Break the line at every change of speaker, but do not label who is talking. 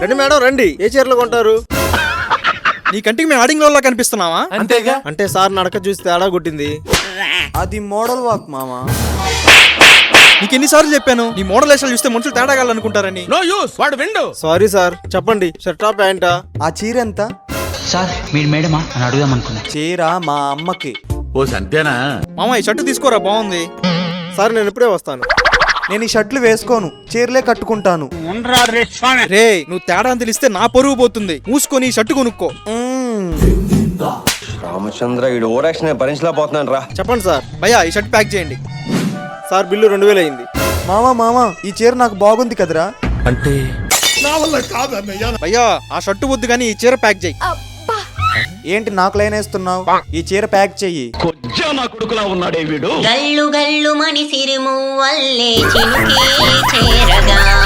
రండి మేడం రండి, ఏ చీరలు కొంటారు?
నీ కంటికి మేము ఆడింగ్ లో కనిపిస్తున్నావా?
అంతేగా.
అంటే సార్ నడక చూసి తేడా కొట్టింది.
అది మోడల్ వాక్ మామా.
నీకు ఎన్నిసార్లు చెప్పాను నీ మోడల్ వేషాలు చూస్తే మనుషులు తేడాగాలనుకుంటారని.
నో యూస్, వాడు విండు.
సారీ సార్, చెప్పండి షర్టా ప్యాంటా?
ఆ చీర ఎంత?
సార్ మీరు మేడమా అని అడుగుదాం అనుకున్నా.
చీర మా అమ్మకి.
ఓ సంతేనా?
మామ ఈ షర్టు తీసుకోరా, బాగుంది.
సార్ నేను ఇప్పుడే వస్తాను.
నేను ఈ షర్ట్లు వేసుకోను, చీరలే కట్టుకుంటాను.
రే నువ్వు తేడా అని తెలిస్తే నా పరువు పోతుంది. మూసుకొని ఈ షర్టు కొనుక్కో.
రామచంద్ర ఈ ఓవరాక్షన్ భరించలేకపోతున్నాను రా.
చెప్పండి సార్.
భయ్యా ఈ షర్ట్ ప్యాక్ చేయండి.
సార్ బిల్లు 2000 అయింది.
మామా ఈ చీర నాకు బాగుంది కదరా.
అంటే
భయ్యా ఆ షర్టు వద్దు కానీ ఈ చీర ప్యాక్ చేయి.
ఏంటి నాకు లైన్ వేస్తున్నావు? ఈ చీర ప్యాక్ చెయ్యి.
గల్లు గల్లు మణి సిరుము వల్లే చినుకే చేరగా